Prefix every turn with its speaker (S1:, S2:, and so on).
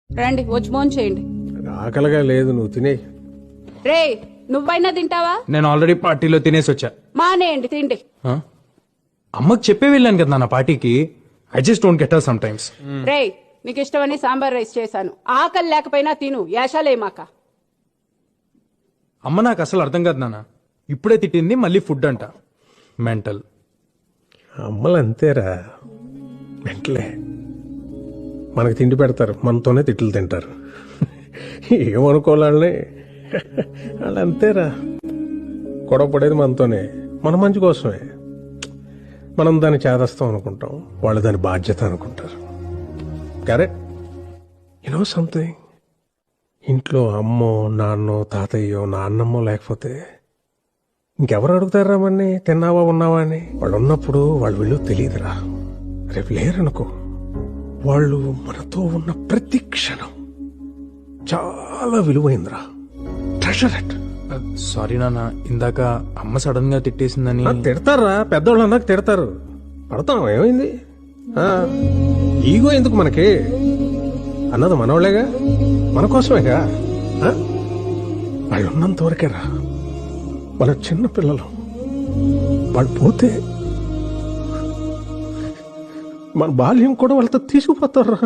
S1: రండి వచ్చి భోజనం చేయండి.
S2: ఆకలిగా లేదు, నువ్వు తినే.
S1: రే నువ్వైనా తింటావా?
S3: నేను ఆల్రెడీ పార్టీలో తినేసి వచ్చా.
S1: మానేయండి తిండి.
S3: ఆ? అమ్మకి చెప్పే వెళ్ళాను కదా నా పార్టీకి. I just don't get her sometimes.
S1: రే నీకు ఇష్టమని సాంబార్ రైస్ చేశాను. ఆకలి లేకపోయినా తిను, యాషాలేమాక.
S3: అమ్మ నాకు అసలు అర్థం కాదు నాన్న. ఇప్పుడే తిట్టింది, మళ్ళీ ఫుడ్ అంట. మెంటల్.
S2: అమ్మలు అంతేరా, వెంటలే మనకు తిండి పెడతారు, మనతోనే తిట్లు తింటారు. ఏమనుకోవాలని వాళ్ళు అంతేరా. గొడవ పడేది మనతోనే, మన మంచి కోసమే. మనం దాన్ని చేదస్తాం అనుకుంటాం, వాళ్ళు దాని బాధ్యత అనుకుంటారు. కరెక్ట్. యూనో సంథింగ్, ఇంట్లో అమ్మో నాన్నో తాతయ్యో నాన్నమ్మో లేకపోతే ఇంకెవరు అడుగుతారా మన్ని తిన్నావా ఉన్నావా అని? వాళ్ళు ఉన్నప్పుడు వాళ్ళు వీళ్ళు తెలియదురా. రేపు లేరనుకో, వాళ్ళు మనతో ఉన్న ప్రతి క్షణం చాలా విలువైందిరా. Treasure it.
S3: సారీ నాన్న, ఇందాక అమ్మ సడన్ గా తిట్టేసిందని.
S2: తిడతారా, పెద్దోళ్ళు అన్నాక తిడతారు. పడతాం, ఏమైంది? ఈగో ఎందుకు మనకి? అన్నది మనోళ్ళేగా, మన కోసమేగా. వాళ్ళు ఉన్నంత వరకేరా. వాళ్ళ చిన్న పిల్లలు, వాళ్ళు పోతే మన బాల్యం కూడా వాళ్ళతో తీసుకుపోతారు.